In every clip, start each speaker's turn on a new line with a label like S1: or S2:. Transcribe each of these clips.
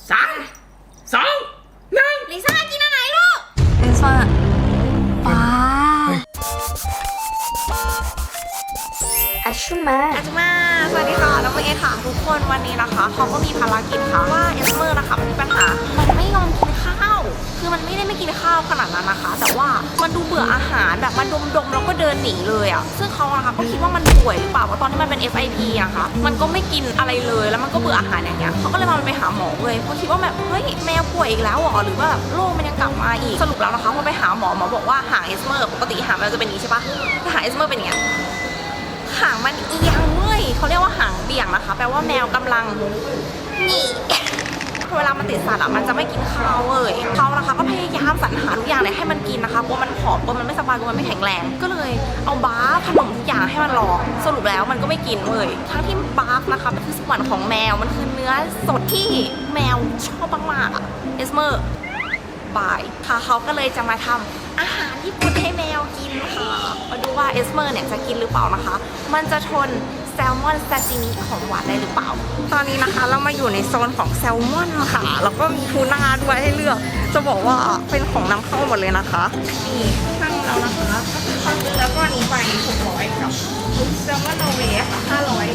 S1: 3 2 1
S2: ลิซ่ากินอะไรลูกลิซ่าป้า
S3: อาชุมา
S2: สวัสดีค่ะน้องเมย์ค่ะทุกคนวันนี้นะคะเขาก็มีภารกิจค่ะว่าเอสเมอร์นะคะมันมีปัญหามันไม่ยอมกินข้าวคือมันไม่ได้ไม่กินข้าวขนาดนั้นนะคะแต่ว่ามันดูเบื่ออาหารแบบมันดมแล้วก็เดินหนีเลยอ่ะซึ่งเขานะคะก็คิดว่ามันป่วยหรือเปล่าเพราะตอนที่มันเป็น FIP นะคะมันก็ไม่กินอะไรเลยแล้วมันก็เบื่ออาหารอย่างเงี้ยเขาก็เลยมาไปหาหมอเลยเพราะคิดว่าแบบเฮ้ยแมวป่วยอีกแล้วหรอหรือว่าแบบโรคมันยังกลับมาอีกสรุปแล้วนะคะพอไปหาหมอบอกว่าหางเอสเมอร์ปกติหางมันจะเป็นอย่างนี้ใช่ปะแต่หางเอสเมอร์เป็นอย่างเงี้ยหางมันเอียงเว้ยเขาเรียกว่าหางเบี่ยงนะคะแปลว่าแมวกำลังนี่เวลามันติดสัตว์อ่ะมันจะไม่กินข้าวเลยเขานะคะก็พยายามสรรหาทุกอย่างเลยให้มันกินนะคะกลัวมันผอมกลัวมันไม่สบายกลัวมันไม่แข็งแรงก็เลยเอาบาร์ขนมทุกอย่างให้มันลองสรุปแล้วมันก็ไม่กินเลยทั้งที่บาร์นะคะมันคือสวรรค์ของแมวมันคือเนื้อสดที่แมวชอบมากๆอ่ะเอสเมอร์บายค่ะเขาก็เลยจะมาทำอาหารญี่ปุ่นให้แมวกินค่ะมาดูว่าเอสเมอร์เนี่ยจะกินหรือเปล่านะคะมันจะทนแซลมอนซาซิมิของหวานได้หรือเปล่าตอนนี้นะคะเรามาอยู่ในโซนของแซลมอนค่ะแล้วก็มีทูน่าด้วยให้เลือกจะบอกว่าเป็นของนำเข้าหมดเลยนะคะนี่ตั้งแล้วนะคะแล้วก็อันนี้ไป600กับแซลมอนนอร์เวย์ค่ะ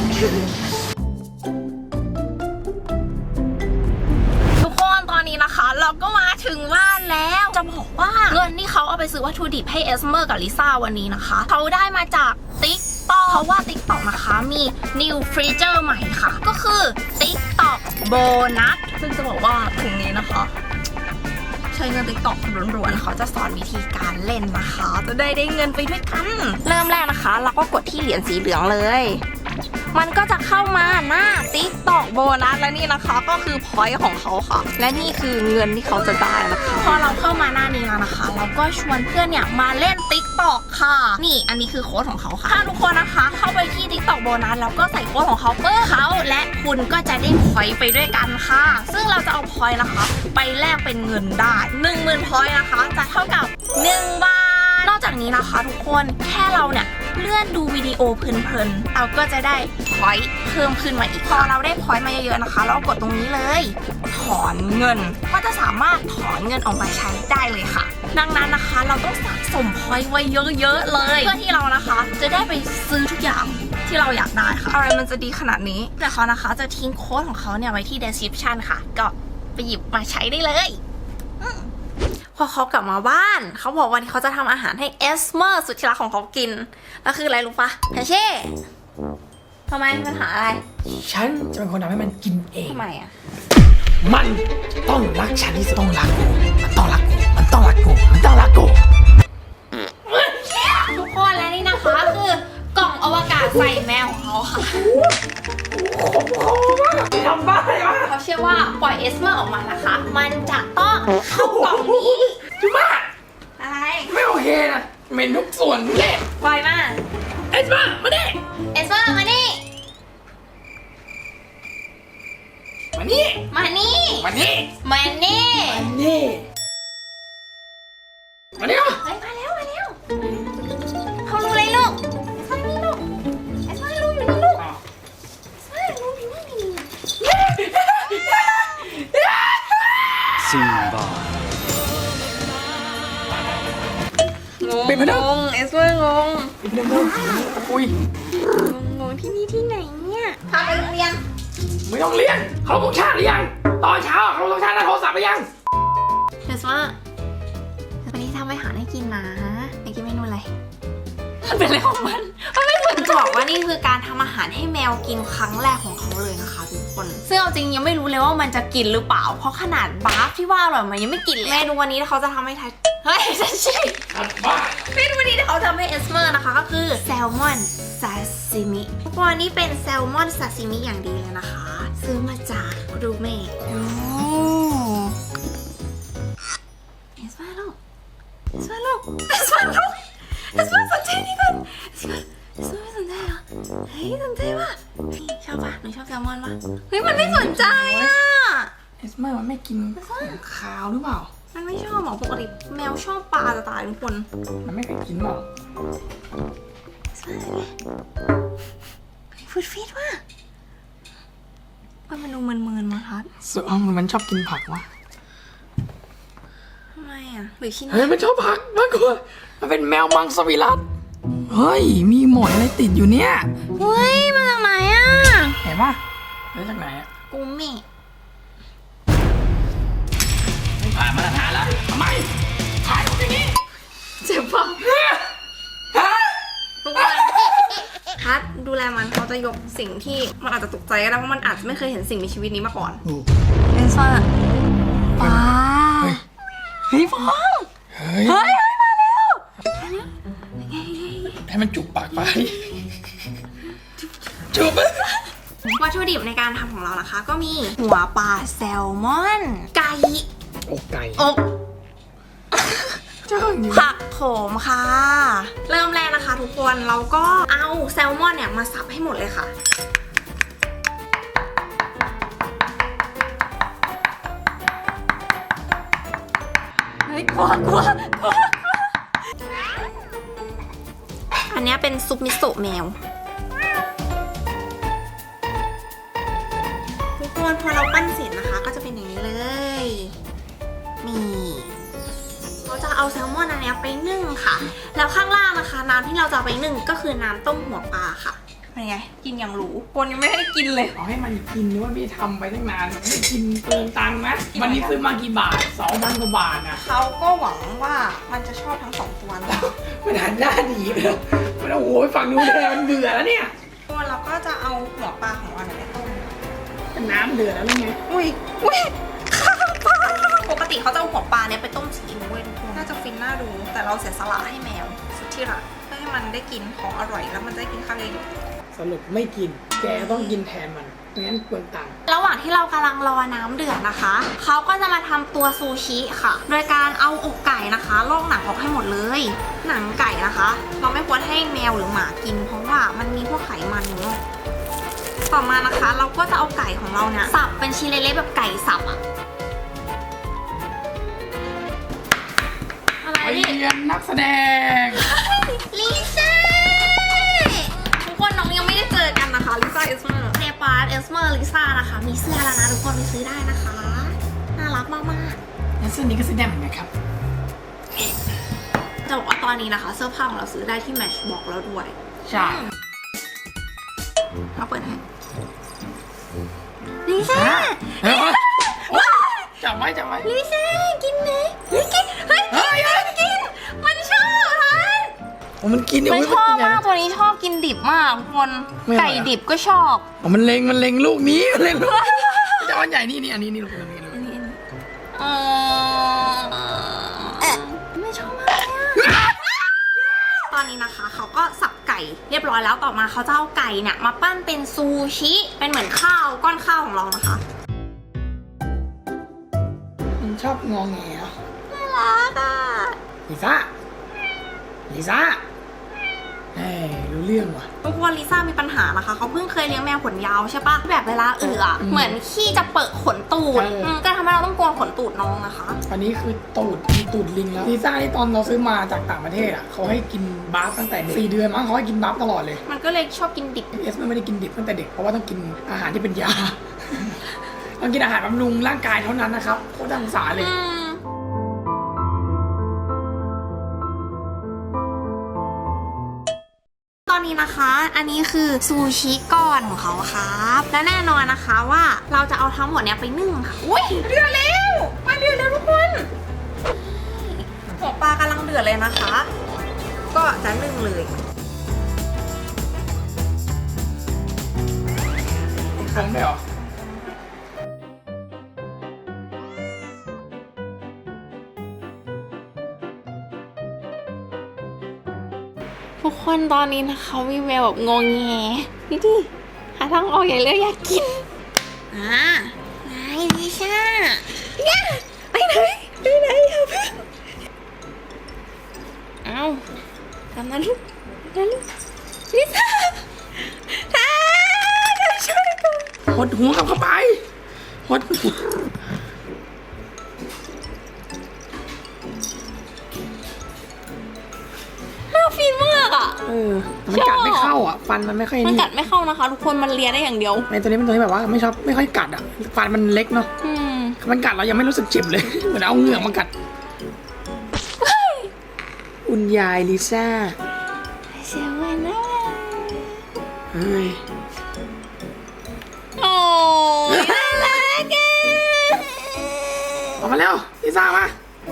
S2: 500ทุกคนตอนนี้นะคะเราก็มาถึงบ้านแล้วจะบอกว่าเงินที่เขาเอาไปซื้อวัตถุดิบให้เอสเมอร์กับลิซ่าวันนี้นะคะเขาได้มาจากTikTok เพราะว่า TikTok นะคะมี new feature ใหม่ค่ะก็คือ TikTok bonus ซึ่งจะบอกว่าถุงนี้นะคะใช้เงิน TikTok ล้วนๆเขาจะสอนวิธีการเล่นนะคะจะได้เงินไปด้วยกันเริ่มแรกนะคะเราก็กดที่เหรียญสีเหลืองเลยมันก็จะเข้ามาหน้า TikTok โบนัสและนี่นะคะก็คือ point ของเขาค่ะและนี่คือเงินที่เขาจะได้นะคะพอเราเข้ามาหน้านี้แล้วนะคะเราก็ชวนเพื่อนเนี่ยมาเล่น TikTok ค่ะนี่อันนี้คือโค้ดของเขาค่ะถ้าทุกคนนะคะเข้าไปที่ TikTok โบนัสแล้วก็ใส่โค้ดของเขาเพื่อเขาและคุณก็จะได้ point ไปด้วยกันค่ะซึ่งเราจะเอา point นะคะไปแลกเป็นเงินได้ 10,000 point นะคะจะเท่ากับ1 บาทนอกจากนี้นะคะทุกคนแค่เราเนี่ยเลื่อนดูวิดีโอเพลินๆเราก็จะได้พอยต์เพิ่มขึ้นมาอีกพอเราได้พอยต์มาเยอะๆนะคะเรากดตรงนี้เลยถอนเงินก็จะสามารถถอนเงินออกมาใช้ได้เลยค่ะดังนั้นนะคะเราต้องสะสมพอยต์ไว้เยอะๆเลยเพื่อที่เรานะคะจะได้ไปซื้อทุกอย่างที่เราอยากได้ค่ะอะไรมันจะดีขนาดนี้แต่เขานะคะจะทิ้งโค้ดของเขาเนี่ยไว้ที่ description ค่ะก็ไปหยิบมาใช้ได้เลยพอเขากลับมาบ้านเขาบอกวันนี้เขาจะทำอาหารให้เอสเมอร์สุดที่รักของเขากินแล้วคืออะไรรู้ปะแพเช่ทำไมปัญหาอะไร
S1: ฉันจะเป็นคนทำให้มันกินเอง
S2: ทำไมอ่ะ
S1: มันต้องรักฉันที่สุดต้องรักกูมันต้องรักกูมันต้องรักกูมันต้องรักกู
S2: ทุกคนและนี่นะคะคือกล่องอวกาศใส่แมวของเขาค่ะ
S1: ทำบ้าอะไรวะ
S2: เขาเชื่อว่าปล่อยเอสเมอร์ออกมานะคะมันจะต้องเข้ากล่องนี้
S1: จุ๊บ้า
S2: อะไร
S1: ไม่โอเคนะเหม็นทุกส่วนเละ
S2: ปล่อยมา
S1: เอสมามาดิ
S2: เอสเมอร์มานี่
S1: มานี่
S2: มานี่
S1: มานี่
S2: มานี่
S1: มานี่มานี่
S2: เฮ้ยมาแล้วเขารู้เลยลูกเอสเมอร์นี่ลูกเอสเมอร์รู้อยู่นี่ลูกเอสเมอร์รู้อยู่นี่
S4: ซิมบา
S1: เป็นพนัก
S2: งงเอสเมอร์งง
S1: เป็นพนักอุ้ย
S2: งงที่นี่ที่ไหนเนี่ยพาไปโรงเรียน
S1: ไม่ต้องเรียนเขาต้องชาติหรือยังตอนเช้าเขาต้องชาติหน้าโทรศัพท์หรือยัง
S2: เอสเมอร์วันนี้ทำอาหารให้กินนะอยากกินเมนูอะไรมันเป็นอะไรของมันไม่ควรจะบอกว่านี่คือการทำอาหารให้แมวกินครั้งแรกของเขาเลยนะคะทุกคนซึ่งเอาจริงยังไม่รู้เลยว่ามันจะกินหรือเปล่าเพราะขนาดบาร์ฟที่ว่าอร่อยมันยังไม่กินเลยเมนูวันนี้เขาจะทำให้ทายเฮ้ยใช่เมนูวันนี้ที่เขาทำให้เอสเมอร์นะคะก็คือแซลมอนซาซิมิวันนี้เป็นแซลมอนซาซิมิอย่างดีเลยนะคะซื้อมาจากรูเม่เอสเมอร์ลูกเอสเมอร์ลูกเอสเมอร์ลูกเอสเมอร์สนใจนี่ก่อนเอสเมอร์ไม่สนใจเหรอเฮ้ยสนใจป่ะชอบป่ะหนูชอบแซลมอนป่ะเฮ้ยมันไม่สนใจอ่ะ
S1: เอสเมอร์มันไม่กินขาวหรือเปล่า
S2: มันไม่ชอบหรอปกติแมวชอบปลาจะตายทุกคน
S1: มันไม่เคยกินหรอก
S2: ฟูดฟีดว่ะมันดูเมินๆมาทัด
S1: มันชอบกินผักวะ
S2: ทำไมอ่ะหรือชิ้น
S1: เฮ้ยมันชอบผักมากกว่ามันเป็นแมวมังสวิรัติเฮ้ยมีหมอนอะไรติดอยู่เนี่ย
S2: เฮ้ยมาจากไหนอ่ะ
S1: เห็นปะมาจากไหนอะ
S2: กูมิ
S1: ไม่ผ่านมาตรฐานแล้วทำไมถ่ายรูปอย่างนี้
S2: เจ็บปะ
S1: ฮะ
S2: ทุกคนทัดดูแลมันเขาจะยกสิ่งที่มันอาจจะตกใจก็ได้เพราะมันอาจจะไม่เคยเห็นสิ่งมีชีวิตนี้มาก่อนเป็นซ่าป้าเฮ้ยฟอง
S1: เฮ้ย
S2: เฮ้ยมาแล้ว
S1: ให้มันจุกปากไปจุบ
S2: วัตถุดิบในการทำของเรานะคะ ก็มีหัวปลาแซลมอนไก่
S1: อกไก่
S2: อก
S1: เจ้าอยู่
S2: ผักโขมค่ะ เริ่มแรกนะคะทุกคนเราก็เอาแซลมอนเนี่ยมาสับให้หมดเลยค่ะเฮ้ยกลัวอันนี้เป็นซุปมิโซะแมวทุกคนพอเราปั้นเสร็จนะคะ ก็จะเป็นอย่างนี้เลยนี่เราจะเอาแซลมอนอันนี้ไปนึ่งค่ะ แล้วข้างล่างนะคะน้ำที่เราจะเอาไปนึ่งก็คือน้ำต้มหัวปลาค่ะเป็นไงกินอย่างหรูคนยังไม่ได้กินเลย
S1: เอาให้มันกินหรือว่าพี่ทำไปตั้งนานไม่กินเปลืองตังค์นะวันนี้ซื้อมากี่บาท2,000 กว่าบาทนะ
S2: เขาก็หวังว่ามันจะชอบทั้งสองตัวนะคะ
S1: มันหันหน้าหนีไปแล้วมันโอ้โหฝั่งนู้นเลยมันเบื่อแล้วเนี่ย
S2: ตัวเราก็จะเอาหัวปลาของเราเนี่ยไปต้ม
S1: เป็นน้ำเดือดแล้วหรือไง
S2: อุ้ยข้าวปลาปกติเขาจะเอาหัวปลาเนี่ยไปต้มซีอิ๊วเว้ยทุกคนน่าจะฟินน่าดู แต่เราเสียสละให้แมวสุดที่รักเพื่อให้มันได้กินของอร่อยแล้วมันจะได้กินข้าวเอง
S1: สรุปไม่กินแกต้องกินแทนมันไม่งั้นเปลืองตังค์
S2: ระหว่างที่เรากำลังรอน้ำเดือดนะคะ เขาก็จะมาทำตัวซูชิค่ะ โดยการเอาอกไก่นะคะลอกหนังออกให้หมดเลย หนังไก่นะคะ เราไม่ควรให้แมวหรือหมากิน เพราะว่ามันมีพวกไขมันอยู่เนอะต่อมานะคะ เราก็จะเอาไก่ของเราเนี่ยสับเป็นชิ้นเล็กๆแบบไก่สับอะอะไร
S1: ไป
S2: นี่
S1: เรียนนักแสดง
S2: ลิซ่าทุกคนน้องยังไม่ได้เจอกันนะคะลิซ่าเอสเมอร์เนปาร์เอสเมอร์ลิซ่านะคะมีเสื้อแล้วนะทุกคนไปซื้อได้นะคะน่ารักมากๆ
S1: แล้วเสื้อนี้ก็ซื้อได้เหมือนกันครับ
S2: จะบอกว่าตอนนี้นะคะเสื้อผ้าของเราซื้อได้ที่ Matchbox แล้วด้วย
S1: ใช่
S2: เราเปิดให้ลิซ่า
S1: เฮ้ยจับไว้จับไว้
S2: ลิซ่ากินนะเฮ้ยกินเฮ้ยกินมันชอบทัน
S1: โอ้มันกินเนี่ย
S2: มัน
S1: เว้ย
S2: ชอบ
S1: นกิน
S2: มากตัวนี้ชอบกินดิบมากทุกคน
S1: ไม่อร่อย
S2: ไก่ดิบก็ชอบ
S1: อ๋อมันเล็งลูกนี้มันเล็งลูกจะอันใหญ่นี่อันนี้ลูกนี้
S2: ไม่ชอบมากเลยอะตอนนี้นะคะเขาก็สับไก่เรียบร้อยแล้วต่อมาเขาจะเอาไก่เนี่ยมาปั้นเป็นซูชิเป็นเหมือนข้าวก้อนข้าวของเรานะคะ
S1: มันชอบงอแงเหรอ
S2: น่ารักอ่ะ
S1: ลิซ่าเฮ้ยรู้เรื่องว่ะ
S2: ทุกคนลิซ่ามีปัญหานะคะเขาเพิ่งเคยเลี้ยงแมวขนยาวใช่ปะแบบเวลาเหมือนขี้จะเปิดขนตูดก็ทำให้เราต้องโกนขนตูดน้องนะคะ
S1: อันนี้คือตูดลิงแล้วลิซ่าที่ตอนเราซื้อมาจากต่างประเทศอ่ะเขาให้กินบาฟตั้งแต่เด็ก4 เดือนมั้งเขาให้กินบาฟตลอดเลย
S2: มันก็เลยชอบกินดิบ
S1: เอสไม่ได้กินดิบตั้งแต่เด็กเพราะว่าต้องกินอาหารที่เป็นยา ต้องกินอาหารบำรุงร่างกายเท่านั้นนะครับโคตรน่าสงสารเลย
S2: ตอนนี้นะคะ อันนี้คือซูชิก้อนของเขาครับ และแน่นอนนะคะว่าเราจะเอาทั้งหมดเนี้ยไปนึ่งค่ะอุ้ยเดือดแล้วมาเดือดแล้วทุกคนหัวปลากำลังเดือดเลยนะคะ ก็จะนึ่งเลย
S1: ฟองได้หรอ
S2: ทุกคนตอนนี้นะคะมีแววแบบงงแงนี่ดิหาทางออกอย่างเร็วอยากกินไหนลิซ่าเนี่ยไปไหนอย่าเพิ่งเอาทำนะลูกลิซ่าเดี๋ยวช่วยก่อน
S1: หดหัวกลับเข้าไปหดหัว
S2: น่าฟินมากอ่ะ
S1: มันกัดไม่เข้าอ่ะฟันมันไม่ค่อย
S2: มัน
S1: นี่
S2: กัดไม่เข้านะคะ ทุกคนมันเลียได้อย่างเดียว
S1: ไอ้ตัวนี้เป็นตัวที่แบบว่าไม่ชอบไม่ค่อยกัดอ่ะฟันมันเล็กเนาะ
S2: อืม
S1: มันกัดเรายังไม่รู้สึกเจ็บเลย เหมือนเอาเหงือกมากัดคุณยายลิซ่า
S2: เสียวันนะ
S1: เฮ้ย
S2: โอ้ยน่ารักอะ
S1: ออกมาเร็วลิซ่ามา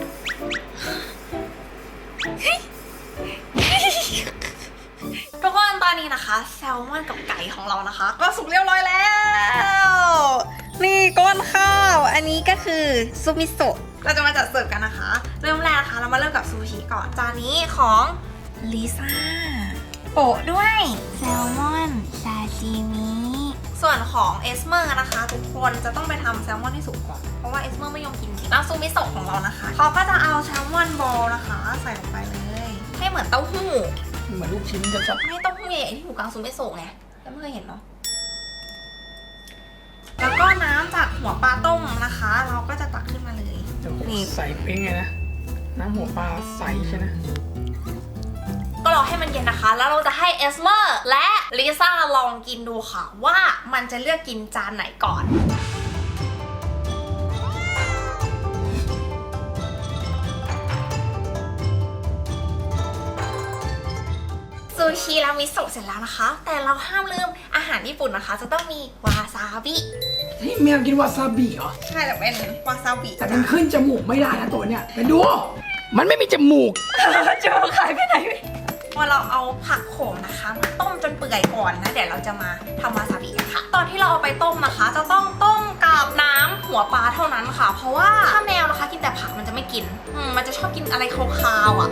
S2: ทุกคนตอนนี้นะคะแซลมอนกับไก่ของเรานะคะ ก็สุกเรียบร้อยแล้ว นี่ก้นข้าวอันนี้ก็คือซุปมิโซะเราจะมาจัดเสิร์ฟกันนะคะ เริ่มแรกนะคะเรามาเริ่มกับซูชิก่อนจานนี้ของลิซ่าโปะด้วยแซลมอนซาชิมิส่วนของเอสเมอร์นะคะทุกคนจะต้องไปทำแซลมอนให้สุกก่อนเพราะว่าเอสเมอร์ไม่ยอมกินแล้วซูมิโซะของเรานะคะเขาก็จะเอาแซลมอนบอลนะคะใส่ลงไปเลยให้เหมือนเต้าหู้
S1: เหมือนลูกชิ้นจะจับ
S2: ไม่ต้องใหญ่ๆที่อยู่กลางซูมิโซะไงแล้วไม่เคยเห็นเนาะแล้วก็น้ำจากหัวปลาต้มนะคะ เราก็จะตักขึ้นมาเลย นี่
S1: ใส่เป็นไงนะน้ำหัวปลาใสใช่ไหม
S2: ก็รอให้มันเย็นนะคะ แล้วเราจะให้เอสเมอร์และลิซ่าลองกินดูค่ะ ว่ามันจะเลือกกินจานไหนก่อนซูชิรามิโซะเสร็จแล้วนะคะ แต่เราห้ามลืมอาหารญี่ปุ่นนะคะ จะต้องมีวาซาบิ
S1: นี่แมวกินวาซาบิเหรอ
S2: ใช่แต่เป็นวาซาบิ
S1: แต่มันขึ้นจมูกไม่ได้นะตัวเนี้ยไปดู มันไม่มีจมูก
S2: จะมาขายไปไหนพอเราเอาผักโขมนะคะมาต้มจนเปื่อยก่อนนะเดี๋ยวเราจะมาทำวาซาบิกันค่ะ ตอนที่เราเอาไปต้มนะคะ จะต้องต้มกับน้ำหัวปลาเท่านั้นค่ะ เพราะว่าถ้าแมวนะคะกินแต่ผักมันจะไม่กินมันจะชอบกินอะไรคาวๆอ่ะ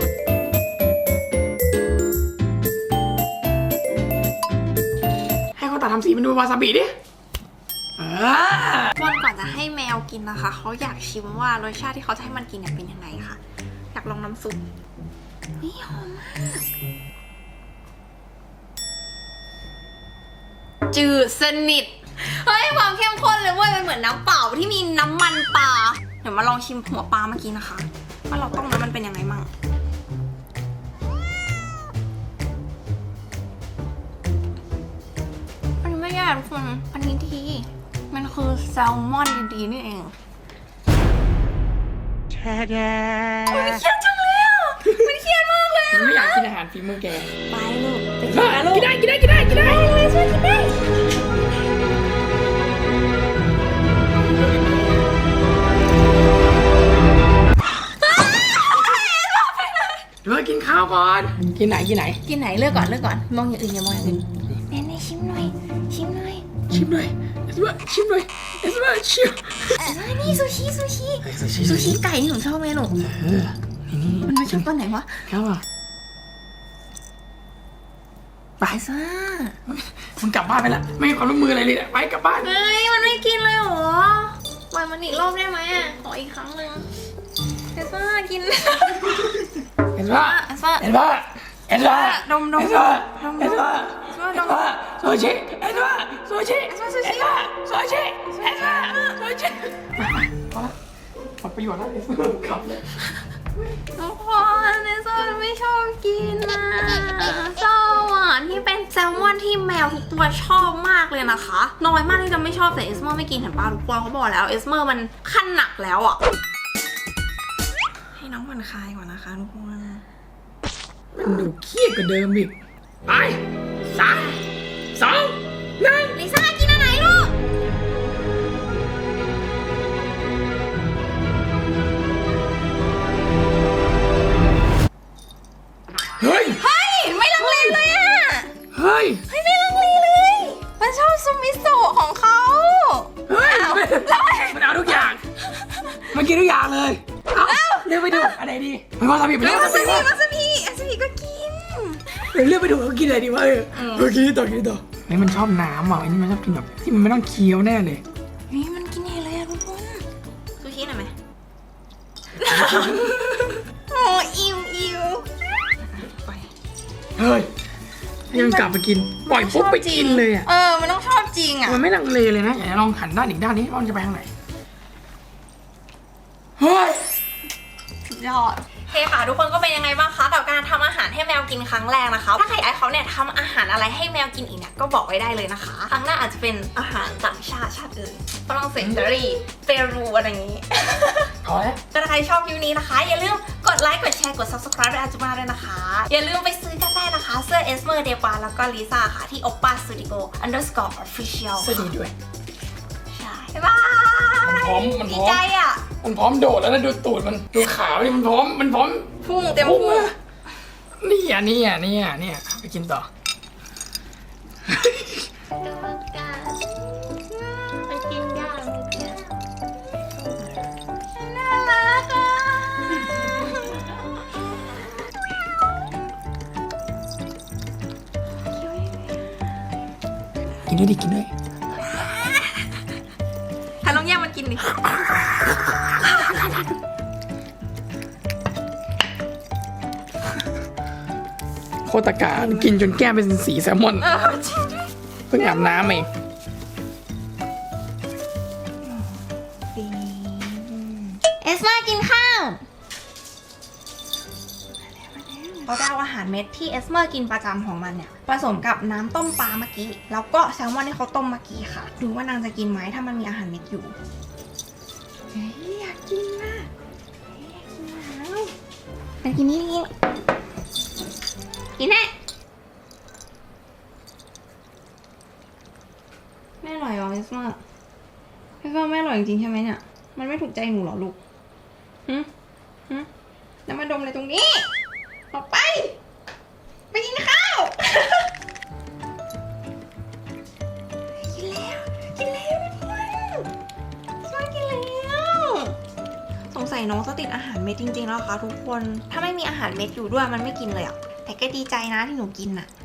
S1: ให้เขาตัดทำสีมันดูวาซาบิดิ
S2: วันก่อนจะให้แมวกินนะคะเขาอยากชิมว่ารสชาติที่เขาจะให้มันกินเนี่ยเป็นยังไงค่ะ อยากลองน้ำซุปนี่หอมมากจืดสนิทเฮ้ยความเข้มข้นเลยเว้ยมันเหมือนน้ำเปล่าที่มีน้ำมันปลาเดี๋ยวมาลองชิมหัวปลาเมื่อกี้นะคะว่าเราต้มแล้วมันเป็นยังไงมั่งอันนี้ไม่แย่ทุกคนอันนี้ดีมันคือแซลมอนดีๆนี่เองมันเครียดจังเลยอ่ะมันเครียดมากเลย
S1: มันไม่อยากกินอาหารฝีมือแก
S2: ไปลูกไปกินนะลูก
S1: กินได้กินได้กินได้กินได้
S2: เลยช่วยกินได้
S1: เดี๋ยวกินข้าวก่อน กินไหนกินไหน
S2: กินไหนเลือกก่อนเลือกก่อนมองอย่างอื่นอย่ามองอย่างอื่นแน่ๆชิมหน่อยชิมหน่อย
S1: ชิมหน่อยเอสเบอร์ชิมหน่อยเอสเบอร์ชิม
S2: นี่ซูชิซูชิไก่ที่หนูชอบไหมหนู
S1: นี่
S2: มันไม่ชอบตัวไหนวะ
S1: ครับอ่ะ
S2: ไปซ่า
S1: มันกลับบ้านไปละไม่ให้ความร่วมมืออะไรเลยไปกลับบ้าน
S2: เฮ้ยมันไม่กินเลยเหรอปล่อยมันอีกรอบได้ไหมขออีกครั้งหนึ่งไปซ่ากิน
S1: เห็นปะ
S2: ไปซ่า
S1: เห็นปะเห็นปะ
S2: ดม
S1: เห็นปะเห็นปะ
S2: ดม
S1: ซูชิเห็นปะซูชิซูชิซูชิเห็นปะซูชิพอละหมดประโยชน์แล้วขับเลย
S2: ทุกคนเนซ่าไม่ชอบกินนะเจ้าอ่ะที่เป็นแซลมอนที่แมวทุกตัวชอบมากเลยนะคะน้อยมากที่จะไม่ชอบแต่เอสเมอร์ไม่กินเห็นป่ะทุกคนเขาบอกแล้วเอสเมอร์มันขั้นหนักแล้วอ่ะให้น้องผ่อนคลายก่อนนะคะทุกคน
S1: มันดูเครียดกว่าเดิมอีกไป3 2 1
S2: ลิซ่ากินอันไหนลูก
S1: เฮ้ย
S2: เฮ้ยไม่ลังเลเลยอ่ะ
S1: เฮ้ย
S2: เฮ้ยไม่ลังเลเลย มันชอบซูมิโซะของเขา
S1: เฮ้ยมันเอาทุกอย่างมันกินทุกอย่างเลยเอาเลือกไปดูอันไหนดีมันวาซาบิไปแล้ว
S2: วาซาบิวาซาบิก็กิน
S1: เลือกไปดูเขากินอะไรดีวะกินต่อนี่มันชอบน้ำอ่ะอันนี้มันชอบกินแบบที่มันไม่ต้องเคี้ยวแน่เลย
S2: นี่มันกินเองเลยอะทุกคนซูชิหน่อยไหม โอ้อิวไป
S1: เฮ้ยยังกลับมากินปล่อยปุ๊บไปกินเลยอ่ะ
S2: มันต้องชอบจริงอ่ะ
S1: มันไม่ลังเลเลยนะอยากจะลองหันด้านอีกด้านนี้ว่ามันจะไปทางไหนเฮ้ย
S2: สุดยอดเคค่ะทุกคนก็เป็นยังไงบ้างคะกับการทำอาหารให้แมวกินครั้งแรกนะคะถ้าใครอยากให้เขาเนี่ยทำอาหารอะไรให้แมวกินอีกเนี่ยก็บอกไว้ได้เลยนะคะครั้งหน้าอาจจะเป็นอาหารต่างชาติอื่นฝรั่งเศสอิตาลีเปรูอะไรอย่างนี้
S1: พอแล้ว
S2: ถ้าใครชอบคลิปนี้นะคะอย่าลืมกดไลค์กดแชร์กด subscribe ให้อาจุมาด้วยนะคะอย่าลืมไปซื้อกันได้นะคะเสื้อเอสเมอร์เดปาแล้วก็ลิซ่าค่ะที่ oppa studio _official
S1: สวัสดีด้วย
S2: ใช่บ๊ายบาย
S1: มันพร้อม
S2: ดีใจอ่ะ
S1: มันพร้อมโดดแล้วนะดูตูดมันดูขาดิมันพร้อม
S2: พุ่งเต็มพุ่ง
S1: เนี่ยไปกินต่อ
S2: มันกินยากน่ารักอ่ะ
S1: กินด้วยดิกินด้วย
S2: ถ้าน้องแย่งมันกินดิ
S1: โคตรตะการกินจนแก้มเป็นสีแซลมอน
S2: จริงด้วย
S1: เพิ่งอาบน้ำเอง
S2: เอสมากินข้าวเราได้เอาอาหารเม็ดที่เอสเมอร์กินประจำของมันเนี่ยผสมกับน้ำต้มปลาเมื่อกี้แล้วก็แซลมอนที่เขาต้มเมื่อกี้ค่ะดูว่านางจะกินไหมถ้ามันมีอาหารเม็ดอยู่เฮ้ยอยากกินนะอยากกินนี่กินแน่ไม่อร่อยหรอเอสเมอร์พี่ว่าไม่อร่อยจริงๆใช่ไหมเนี่ยมันไม่ถูกใจหนูหรอลูกแล้วมาดมอะไรตรงนี้ออกไปกินข้าว กินแล้วทุกคนกินแล้วสงสัยน้องจะติดอาหารเม็ดจริงๆแล้วค่ะทุกคนถ้าไม่มีอาหารเม็ดอยู่ด้วยมันไม่กินเลยอ่ะแต่ก็ดีใจนะที่หนูกินอ่ะ